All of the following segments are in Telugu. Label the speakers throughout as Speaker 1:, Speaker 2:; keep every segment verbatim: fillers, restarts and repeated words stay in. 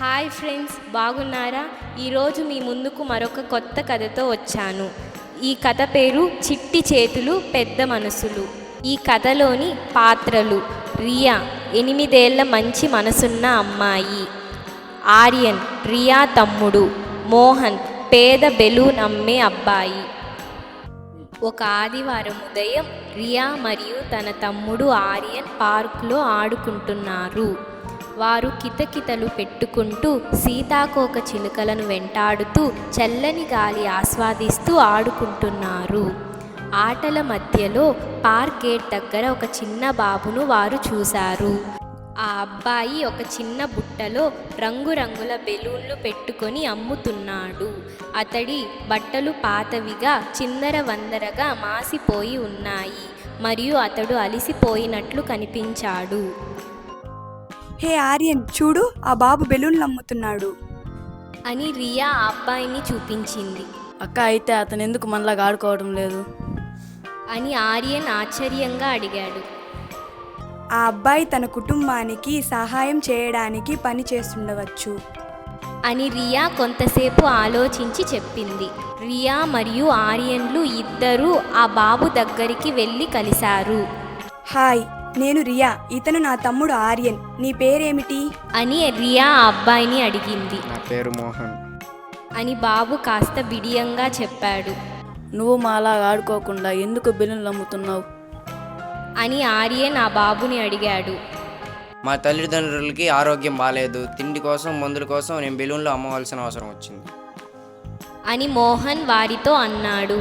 Speaker 1: హాయ్ ఫ్రెండ్స్, బాగున్నారా? ఈరోజు మీ ముందుకు మరొక కొత్త కథతో వచ్చాను. ఈ కథ పేరు చిట్టి చేతులు పెద్ద మనసులు. ఈ కథలోని పాత్రలు: రియా, ఎనిమిదేళ్ల మంచి మనసున్న అమ్మాయి; ఆర్యన్, రియా తమ్ముడు; మోహన్, పేద బెలూన్ అమ్మే అబ్బాయి. ఒక ఆదివారం ఉదయం రియా మరియు తన తమ్ముడు ఆర్యన్ పార్కులో ఆడుకుంటున్నారు. వారు కితకితలు పెట్టుకుంటూ సీతాకోక చిలుకలను వెంటాడుతూ చల్లని గాలి ఆస్వాదిస్తూ ఆడుకుంటున్నారు. ఆటల మధ్యలో పార్క్ గేట్ దగ్గర ఒక చిన్న బాబును వారు చూశారు. ఆ అబ్బాయి ఒక చిన్న బుట్టలో రంగురంగుల బెలూన్లు పెట్టుకొని అమ్ముతున్నాడు. అతడి బట్టలు పాతవిగా చిందరవందరగా మాసిపోయి ఉన్నాయి మరియు అతడు అలిసిపోయినట్లు కనిపించాడు.
Speaker 2: హే ఆర్యన్, చూడు, ఆ బాబు బెలూన్లు అమ్ముతున్నాడు
Speaker 1: అని రియా ఆ అబ్బాయిని చూపించింది.
Speaker 3: అక్క, అయితే అతను ఎందుకు మనలాగా ఆడుకోవడం లేదు
Speaker 1: అని ఆర్యన్ ఆశ్చర్యంగా అడిగాడు.
Speaker 2: ఆ అబ్బాయి తన కుటుంబానికి సహాయం చేయడానికి పని చేస్తుండవచ్చు
Speaker 1: అని రియా కొంతసేపు ఆలోచించి చెప్పింది. రియా మరియు ఆర్యన్లు ఇద్దరూ ఆ బాబు దగ్గరికి వెళ్ళి కలిశారు.
Speaker 2: హాయ్, నేను రియా, ఇతను నా తమ్ముడు ఆర్యన్. నీ పేరేమిటి
Speaker 1: అని రియా ఆ అబ్బాయిని అడిగింది.
Speaker 4: నా పేరు మోహన్
Speaker 1: అని బాబు కాస్త బిడియంగా చెప్పాడు.
Speaker 3: నువ్వు మాలాగా ఆడుకోకుండా ఎందుకు బెలూన్లు అమ్ముతున్నావు
Speaker 1: అని ఆర్యన్ ఆ బాబుని అడిగాడు.
Speaker 4: మా తల్లిదండ్రులకి ఆరోగ్యం బాగాలేదు, తిండి కోసం మందుల కోసం నేను బెలూన్లు అమ్మవలసిన అవసరం వచ్చింది
Speaker 1: అని మోహన్ వారితో అన్నాడు.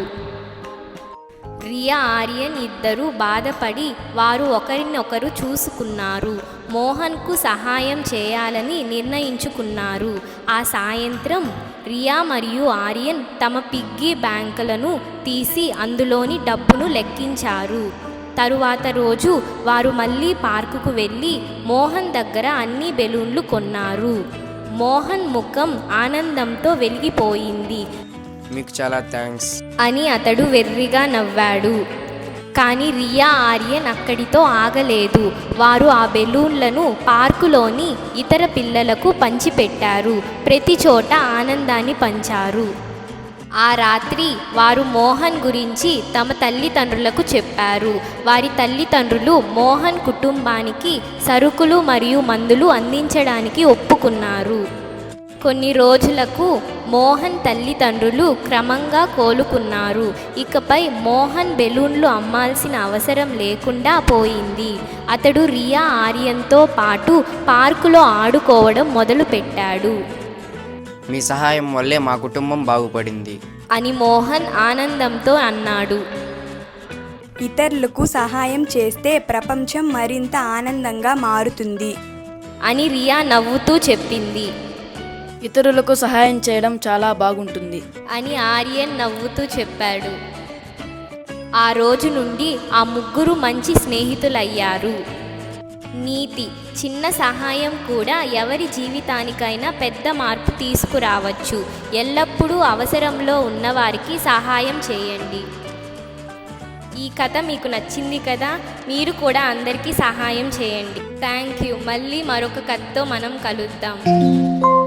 Speaker 1: రియా ఆర్యన్ ఇద్దరూ బాధపడి వారు ఒకరినొకరు చూసుకున్నారు. మోహన్కు సహాయం చేయాలని నిర్ణయించుకున్నారు. ఆ సాయంత్రం రియా మరియు ఆర్యన్ తమ పిగ్గీ బ్యాంకులను తీసి అందులోని డబ్బును లెక్కించారు. తరువాత రోజు వారు మళ్ళీ పార్కుకు వెళ్ళి మోహన్ దగ్గర అన్ని బెలూన్లు కొన్నారు. మోహన్ ముఖం ఆనందంతో వెలిగిపోయింది.
Speaker 4: మీకు చాలా థ్యాంక్స్
Speaker 1: అని అతడు వెర్రిగా నవ్వాడు. కానీ రియా ఆర్యన్ అక్కడితో ఆగలేదు. వారు ఆ బెలూన్లను పార్కులోని ఇతర పిల్లలకు పంచిపెట్టారు. ప్రతి చోట ఆనందాన్ని పంచారు. ఆ రాత్రి వారు మోహన్ గురించి తమ తల్లిదండ్రులకు చెప్పారు. వారి తల్లిదండ్రులు మోహన్ కుటుంబానికి సరుకులు మరియు మందులు అందించడానికి ఒప్పుకున్నారు. కొన్ని రోజులకు మోహన్ తల్లిదండ్రులు క్రమంగా కోలుకున్నారు. ఇకపై మోహన్ బెలూన్లు అమ్మాల్సిన అవసరం లేకుండా పోయింది. అతడు రియా ఆర్యన్తో పాటు పార్కులో ఆడుకోవడం మొదలుపెట్టాడు.
Speaker 4: మీ సహాయం వల్లే మా కుటుంబం బాగుపడింది
Speaker 1: అని మోహన్ ఆనందంతో అన్నాడు.
Speaker 2: ఇతరులకు సహాయం చేస్తే ప్రపంచం మరింత ఆనందంగా మారుతుంది
Speaker 1: అని రియా నవ్వుతూ చెప్పింది.
Speaker 3: ఇతరులకు సహాయం చేయడం చాలా బాగుంటుంది
Speaker 1: అని ఆర్యన్ నవ్వుతూ చెప్పాడు. ఆ రోజు నుండి ఆ ముగ్గురు మంచి స్నేహితులయ్యారు. నీతి: చిన్న సహాయం కూడా ఎవరి జీవితానికైనా పెద్ద మార్పు తీసుకురావచ్చు. ఎల్లప్పుడూ అవసరంలో ఉన్నవారికి సహాయం చేయండి. ఈ కథ మీకు నచ్చింది కదా? మీరు కూడా అందరికీ సహాయం చేయండి. Thank you. మళ్ళీ మరొక కథతో మనం కలుద్దాం.